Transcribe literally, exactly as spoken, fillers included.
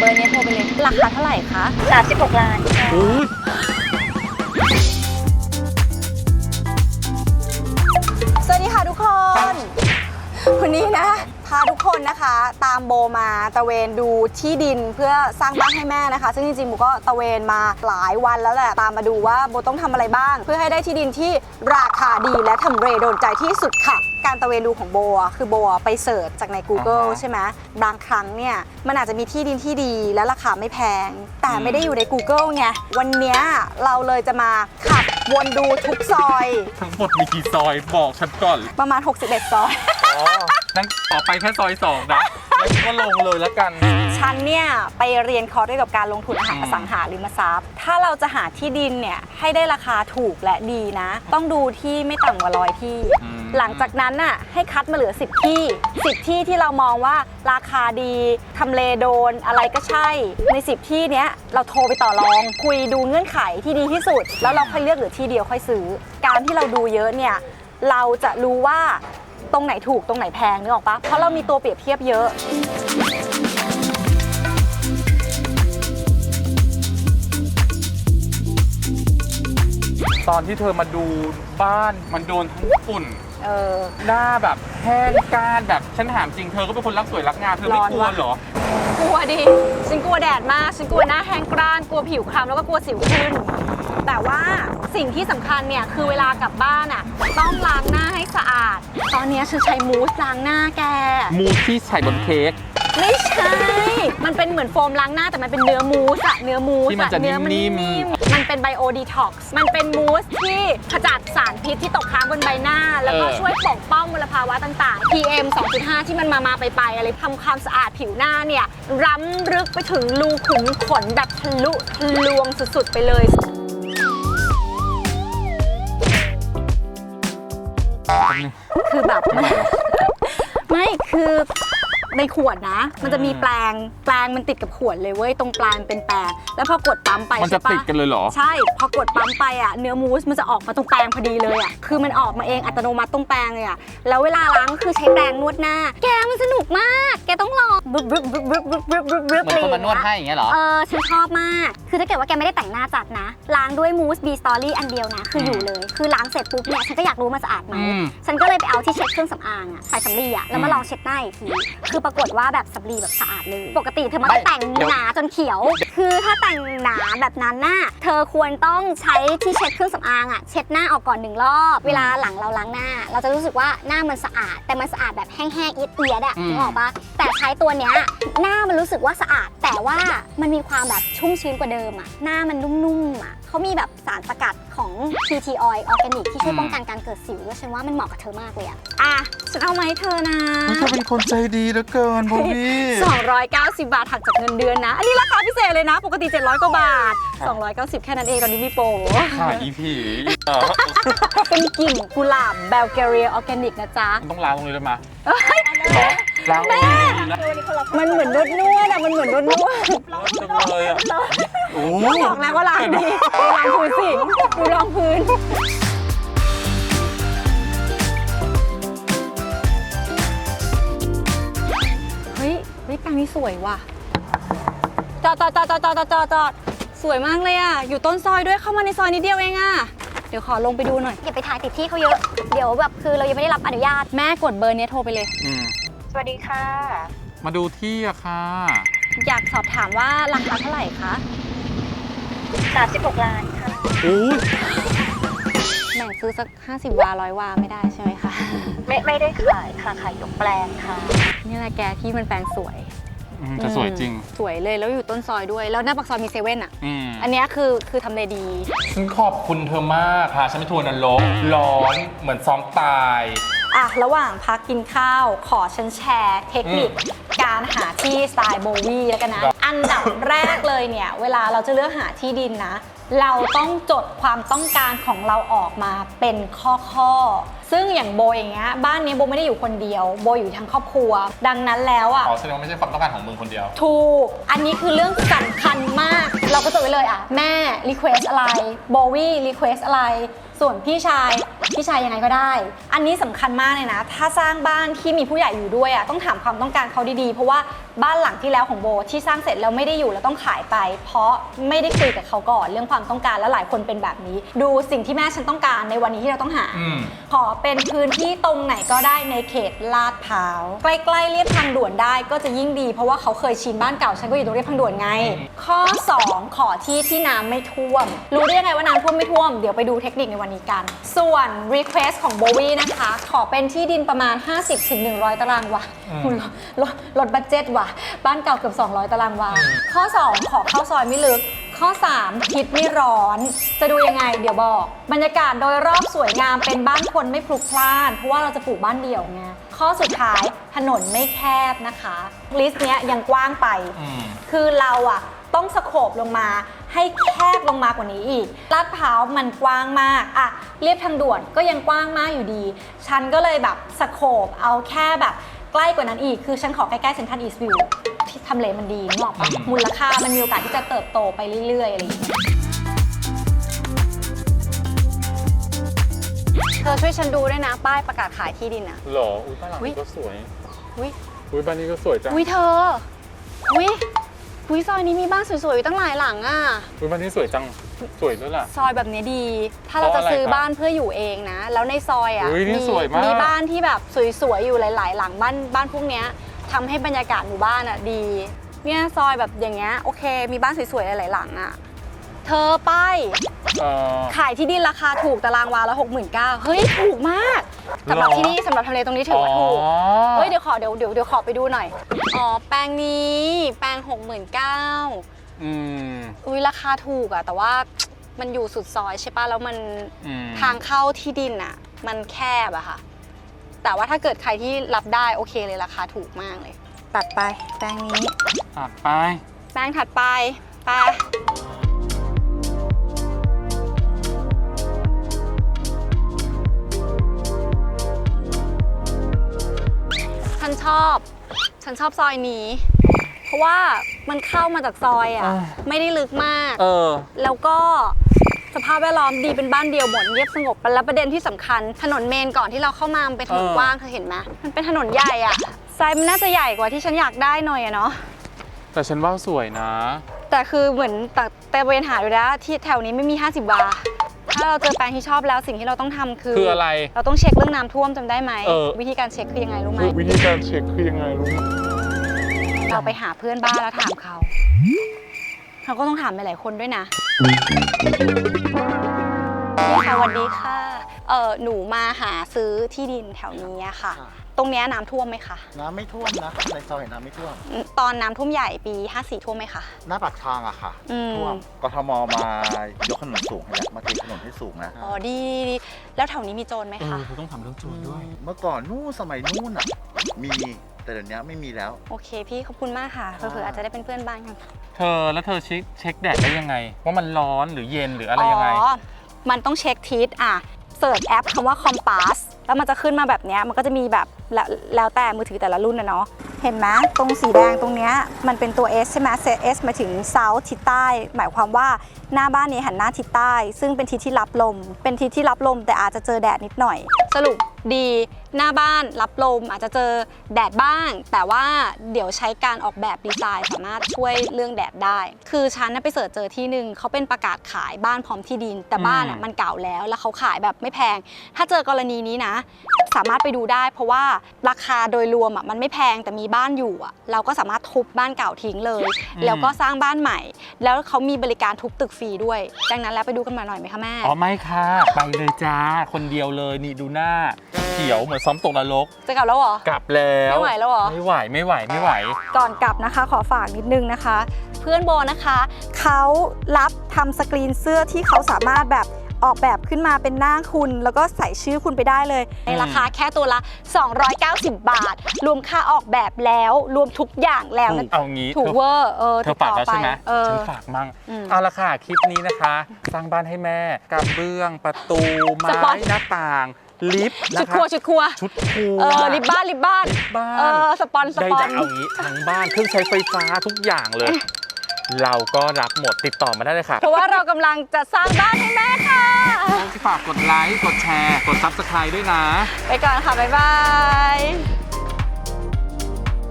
อร์นี้โทรไปเลยราคาเท่าไหร่คะสามสิบหกล้านค่ะสวัสดีค่ะทุกคนวันนี้นะพาทุกคนนะคะตามโบมาตะเวนดูที่ดินเพื่อสร้างบ้านให้แม่นะคะซึ่งจริงๆโบก็ตะเวนมาหลายวันแล้วแหละตามมาดูว่าโบต้องทำอะไรบ้างเพื่อให้ได้ที่ดินที่ราคาดีและทำเลโดนใจที่สุดค่ะการตะเวนดูของโบคือโบไปเสิร์ชจากใน Google ใช่ไหมบางครั้งเนี่ยมันอาจจะมีที่ดินที่ดีและราคาไม่แพงแต่ไม่ได้อยู่ใน Google ไงวันนี้เราเลยจะมาขับวนดูทุกซอยทั้งหมดมีกี่ซอยบอกฉันก่อนประมาณหกสิบเอ็ดซอยอ๋อนั่งต่อไปแค่ซอยสองนะแล้วก็ลงเลยแล้วกันฉันเนี่ยไปเรียนคอร์สเกี่ยวกับการลงทุนอสังหาริมทรัพย์ถ้าเราจะหาที่ดินเนี่ยให้ได้ราคาถูกและดีนะต้องดูที่ไม่ต่ำกว่าร้อยที่หลังจากนั้นน่ะให้คัดมาเหลือสิบที่สิบที่ที่เรามองว่าราคาดีทำเลโดนอะไรก็ใช่ในสิบที่เนี้ยเราโทรไปต่อรองคุยดูเงื่อนไขที่ดีที่สุดแล้วเราค่อยเลือกเหลือที่เดียวค่อยซื้อการที่เราดูเยอะเนี่ยเราจะรู้ว่าตรงไหนถูกตรงไหนแพงนึกออกปะเพราะเรามีตัวเปรียบเทียบเยอะตอนที่เธอมาดูบ้านมันโดนทั้งฝุ่นเออหน้าแบบแห้งก้านแบบฉันถามจริงเธอก็เป็นคนรักสวยรักงามเธอไม่กลัวเหรอกลัวดิฉันกลัวแดดมากฉันกลัวหน้าแห้งกร้านกลัวผิวคล้ำแล้วก็กลัวสิวขึ้นแต่ว่าสิ่งที่สำคัญเนี่ยคือเวลากลับบ้านอ่ะต้องล้างหน้าให้สะอาดตอนนี้ฉันใช้มูสล้างหน้าแกมูสที่ใส่บนเค้กไม่ใช่มันเป็นเหมือนโฟมล้างหน้าแต่มันเป็นเนื้อมูสอะเนื้อมูสที่มันจะนิ่มๆมันเป็นไบโอดีท็อกซ์มันเป็นมูสที่ขจัดสารพิษที่ตกค้างบนใบหน้าแล้วก็ช่วยปกป้องมลภาวะต่างๆ พี เอ็ม สองจุดห้า ที่มันมามาไปไปอะไรทำความสะอาดผิวหน้าเนี่ยล้ำลึกไปถึงรูขุมขนแบบทะลุทะลวงสุดๆไปเลยคือแบบไม่คือในขวดนะมันจะมีแปรงแปรงมันติดกับขวดเลยเว้ยตรงปลายมันเป็นแปรงแล้วพอกดปั๊มไปมันจะติดกันเลยเหรอใช่พอกดปั๊มไปอ่ะเนื้อมูสมันจะออกมาตรงแปรงพอดีเลยอ่ะคือมันออกมาเองอัตโนมัติตรงแปรงเลยอ่ะแล้วเวลาล้างก็คือใช้แปรงนวดหน้าแกมันสนุกมากแกต้องลองบึ๊บบึ๊บบึ๊บบึ๊บบึ๊บบึ๊บบึ๊บบึ๊บเหมือนคนมานวดให้อย่างเงี้ยเหรอเออฉันชอบมากคือถ้าเกิดว่าแกไม่ได้แต่งหน้าจัดนะล้างด้วยมูสบีสตอรี่อันเดียวนะคืออยู่เลยคือล้างเสร็จปุ๊บเนี่ยฉันก็อยากรู้มันสะอาดไหมฉันก็เลยไปเอาที่เช็ดเครื่องสำอางอ่ะใส่สำลีอ่ะแล้วมาลองเช็ดหน้าอีกทีคือปรากฏว่าแบบสำลีแบบสะอาดเลยปกติเธอมันแต่งหนาจนเขียวคือถ้าแต่งหนาแบบนั้นน่ะเธอควรต้องใช้ที่เช็ดเครื่องสำอางอ่ะเช็ดหน้าออกก่อนหนึ่งรอบเวลาหลังเราล้างหน้าเราจะรู้สึกว่าหน้ามันสะอาดแต่มันสะอาดแบบแห้งๆเอียดๆอ่ะนึกออกปะแต่ใช้ตัวเนี้ยหน้ามันรู้สึกว่าสะอาดแต่ว่ามันมีความแบบชุ่มชื้นกว่าเดิมอ่ะหน้ามันนุ่มๆอ่ะเขามีแบบสารสกัดของ พี ที Oil Organic ที่ช่วยป้องกันการเกิดสิวด้วยฉันว่ามันเหมาะกับเธอมากเลยอ่ะอ่ะฉันเอามาให้เธอนะเธอเป็นคนใจดีเหลือเกินพอพี่สองร้อยเก้าสิบบาทหักจากเงินเดือนนะอันนี้ราคาพิเศษเลยนะปกติเจ็ดร้อยกว่าบาทสองร้อยเก้าสิบแค่นั้นเองตอนนี้มีโปรค่ะอีผีเป็นกลิ่นกุหลาบเบลแกเรียออร์แกนิกนะจ๊ะต้องล้างตรงนี้ได้ไหมล้างแม่มันเหมือนนวดนวดอะมันเหมือนนวดนวดจังเลยอะโอ้บอกแล้วว่าล้างดีล้างพื้นสิดูรองพื้นเฮ้ยเฮ้ยแปลงนี้สวยว่ะจอดจอดจอดจอดจอดจอดจอดสวยมากเลยอ่ะอยู่ต้นซอยด้วยเข้ามาในซอยนิดเดียวเองอ่ะเดี๋ยวขอลงไปดูหน่อยอย่าไปถ่ายติดที่เขาเยอะเดี๋ยวแบบคือเรายังไม่ได้รับอนุญาตแม่กดเบอร์นี้โทรไปเลยสวัสดีค่ะมาดูที่อะค่ะอยากสอบถามว่าราคาเท่าไหร่คะสามสิบหกล้านค่ะโอ้ยแบ่งซื้อสักห้าสิบวาร้อยวาไม่ได้ใช่ไหมคะไม่ไม่ได้ขายค่ะขายยกแปลงค่ะนี่แหละแกที่มันแปลงสวยจะสวยจริงสวยเลยแล้วอยู่ต้นซอยด้วยแล้วหน้าปากซอยมีเซเว่นอ่ะอันนี้คือคือทำเลดีฉันขอบคุณเธอมากค่ะฉันไม่ทัวร์นรกร้อนเหมือนซ้อมตายอ่ะระหว่างพักกินข้าวขอฉันแชร์เทคนิคการหาที่สไตล์โบวี่แล้วกันนะอันดับแรกเลยเนี่ยเวลาเราจะเลือกหาที่ดินนะเราต้องจดความต้องการของเราออกมาเป็นข้อๆซึ่งอย่างโบอย่างเงี้ยบ้านนี้โบไม่ได้อยู่คนเดียวโบอยู่ทั้งครอบครัวดังนั้นแล้วอ่ะอ๋อแสดงว่าไม่ใช่ความต้องการของมึงคนเดียวถูกอันนี้คือเรื่องสำคัญมากเราก็จดไว้เลยอ่ะแม่รีเควสอะไรโบวี่รีเควสอะไรส่วนพี่ชายพี่ชายยังไงก็ได้อันนี้สำคัญมากเลยนะถ้าสร้างบ้านที่มีผู้ใหญ่อยู่ด้วยอ่ะต้องถามความต้องการเขาดีๆเพราะว่าบ้านหลังที่แล้วของโบที่สร้างเสร็จแล้วไม่ได้อยู่แล้วต้องขายไป เพราะไม่ได้คุยกับเขาก่อนเรื่องความต้องการและหลายคนเป็นแบบนี้ ดูสิ่งที่แม่ฉันต้องการในวันนี้ที่เราต้องหาอืมขอเป็นพื้นที่ตรงไหนก็ได้ในเขตลาดพร้าวใกล้ๆเรียบทางด่วนได้ก็จะยิ่งดีเพราะว่าเขาเคยชินบ้านเก่าฉันก็อยู่ตรงเรียบทางด่วนไง ข้อสองขอที่ที่น้ำไม่ท่วมรู้ได้ยังไงว่าน้ำท่วมไม่ท่วมเดี๋ยวไปดูเทคนิคในวันนี้กันส่วน request ของโบวี่นะคะขอเป็นที่ดินประมาณ ห้าสิบถึงหนึ่งร้อย ตารางวาอืมคุณลดลดบัดเจ็ตว่ะบ้านเก่าเกือบสองร้อย ตารางวาข้อสองขอเข้าซอยไม่ลึกข้อสามทิศไม่ร้อนจะดูยังไงเดี๋ยวบอกบรรยากาศโดยรอบสวยงามเป็นบ้านคนไม่พลุกพล่านเพราะว่าเราจะปลูกบ้านเดี่ยวไงข้อสุดท้ายถนนไม่แคบนะคะลิสต์เนี้ยยังกว้างไปอืมคือเราอะต้องสโคบลงมาให้แคบลงมากว่านี้อีกลาดพร้าวมันกว้างมากอะเรียบทางด่วนก็ยังกว้างมากอยู่ดี ฉันก็เลยแบบสโคบเอาแค่แบบใกล้กว่านั้นอีก คือฉันขอใกล้ๆเซ็นทรัลอีสต์วิวที่ทำเลมันดีนึกออกปะอืมมูลค่ามันมีโอกาสที่จะเติบโตไปเรื่อยๆอะไรอย่างเงี้ยเธอช่วยฉันดูด้วยนะป้ายประกาศขายที่ดินอะหรอ อุ้ยบ้านหลังอุ๊ยนี้ก็สวยอุ้ยอุ้ยบ้านนี้ก็สวยจังอุ้ยเธออุ้ยอุ้ยซอยนี้มีบ้านสวยๆอยู่ตั้งหลายหลังอะอุ้ยบ้านนี้สวยจัง สวยด้วยล่ะซอยแบบนี้ดี ถ้าเราจะซื้อบ้านเพื่ออยู่เองนะ แล้วในซอยอ่ะอุ๊ยนี่มีสวยมากมีบ้านที่แบบสวยๆอยู่หลาย ๆ หลังบ้านบ้านพวกเนี้ยทำให้บรรยากาศหมู่บ้านอ่ะดี เนี่ยซอยแบบอย่างเงี้ยโอเค มีบ้านสวยๆหลายๆหลังอ่ะ เธอป้ายเอ่อขายที่ดินราคาถูกตารางวาละหกหมื่นเก้าเฮ้ยถูกมากสำหรับหรอที่นี่สำหรับทำเลตรงนี้ถือว่าถูกอ๋อเฮ้ยเดี๋ยวขอเดี๋ยวเดี๋ยวเดี๋ยวขอไปดูหน่อยอ๋อแปลงนี้แปลงหกหมื่นเก้าอืมอุ้ยราคาถูกอะแต่ว่ามันอยู่สุดซอยใช่ปะแล้วมันอืมทางเข้าที่ดินอะมันแคบอะค่ะ แต่ว่าถ้าเกิดใครที่รับได้โอเคเลยราคาถูกมากเลย ตัดไปแปลงนี้ตัดไปแปลงถัดไปไปฉันชอบ ฉันชอบซอยนี้ เพราะว่ามันเข้ามาจากซอยอะอ่าไม่ได้ลึกมากเออแล้วก็สภาพแวดล้อมดีเป็นบ้านเดียวหมดเงียบสงบแล้วประเด็นที่สำคัญถนนเมนก่อนที่เราเข้ามามันเป็นถนนเออกว้างเธอเห็นไหมมันเป็นถนนใหญ่อะไซส์มันน่าจะใหญ่กว่าที่ฉันอยากได้หน่อยอะเนาะแต่ฉันว่าสวยนะแต่คือเหมือนแต่แต่เวนหาดูนะที่แถวนี้ไม่มี ห้าสิบ บาทถ้าเราเจอแปลงที่ชอบแล้วสิ่งที่เราต้องทำคือคืออะไรเราต้องเช็คเรื่องน้ำท่วมจำได้ไหมเออวิธีการเช็คคือยังไงรู้ไหมวิธีการเช็คคือยังไงรู้ไหมเราไปหาเพื่อนบ้านแล้วถามเขาเราก็ต้องถามหลายๆคนด้วยนะพี่คะสวัสดีค่ะเออหนูมาหาซื้อที่ดินแถวนี้อะค่ะ ตรงเนี้ยน้ำท่วมไหมคะน้ำไม่ท่วมนะในซอยน้ำไม่ท่วมตอนน้ำท่วมใหญ่ปีห้าสี่ท่วมไหมคะหน้าปากทางอะค่ะอืมท่วมกทมมายกถนนสูงให้แล้วมาเทถนนให้สูงนะอ๋อดีดีแล้วแถวนี้มีโจรไหมเอคะอคุณต้องทำเรื่องโจรด้วยเมื่อก่อนนู่นสมัยนู่นอะมีแต่เดี๋ยวนี้ไม่มีแล้วโอเคพี่ขอบคุณมากค่ะเผื่อๆอาจจะได้เป็นเพื่อนบ้านกันเธอแล้วเธอเช็คเช็คแดดได้ยังไง ว่ามันร้อนหรือเย็นหรืออะไรยังไงอ๋อ มันต้องเช็คทิศอ่ะเสิร์ชแอปคำว่า Compass แล้วมันจะขึ้นมาแบบเนี้ยมันก็จะมีแบบแล้วแล้วแต่มือถือแต่ละรุ่นนะเนาะ เห็นไหมตรงสีแดงตรงเนี้ยมันเป็นตัว S ใช่ไหม S หมายถึง South ทิศใต้ หมายความว่าหน้าบ้านนี้หันหน้าทิศใต้ ซึ่งเป็นทิศที่รับลม เป็นทิศที่รับลมแต่อาจจะเจอแดดนิดหน่อย สรุปดีหน้าบ้านรับลมอาจจะเจอแดดบ้าง แต่ว่าเดี๋ยวใช้การออกแบบดีไซน์สามารถช่วยเรื่องแดดได้ คือฉันน่ะไปเสิร์ชเจอที่หนึ่งเขาเป็นประกาศขายบ้านพร้อมที่ดิน แต่บ้านอ่ะอืมมันเก่าแล้วแล้วเขาขายแบบไม่แพง ถ้าเจอกรณีนี้นะ สามารถไปดูได้ เพราะว่าราคาโดยรวมอ่ะมันไม่แพงแต่มีบ้านอยู่อ่ะเราก็สามารถทุบบ้านเก่าทิ้งเลย แล้วก็สร้างบ้านใหม่ แล้วเขามีบริการทุบตึกฟรีด้วย ดังนั้นแล้วไปดูกันมาหน่อยไหมคะแม่อ๋อไม่ค่ะ ไปเลยจ้า คนเดียวเลยนี่ดูหน้า เขียวเหมือนซ้อมตกนรกจะกลับแล้วเหรอกลับแล้วไม่ไหวแล้วเหรอไม่ไหวไม่ไหวไม่ไหวก่อนกลับนะคะขอฝากนิดนึงนะคะ เพื่อนโบนะคะเขารับทำสกรีนเสื้อที่เขาสามารถแบบออกแบบขึ้นมาเป็นหน้าคุณ แล้วก็ใส่ชื่อคุณไปได้เลย ในราคาแค่ตัวละ สองร้อยเก้าสิบ บาท รวมค่าออกแบบแล้วรวมทุกอย่างแล้วถูนะกเอางี้ถูกเธอเวอร์เออเธอฝากแล้วใช่ไหมเออฉันฝากมั่งอืมเอาละค่ะคลิปนี้นะคะ สร้างบ้านให้แม่กระเบื้องประตูไม้สปอนหน้าต่าง ลิฟต์ชุนะดครัคะวชุดครัวชุดครัวเออริบบ้านริบบ้านบ้านเออสปอนสได้ปอนจะเอางี้ทั้งบ้านเครื่องใช้ไฟฟ้าทุกอย่างเลย เราก็รับหมดติดต่อมาได้เลยค่ะเพราะว่าเรากำลังจะสร้างบ้านให้แม่ค่ะฝากกดไลค์กดแชร์กด ซับสไครบ์ ด้วยนะไปก่อนค่ะบ๊ายบาย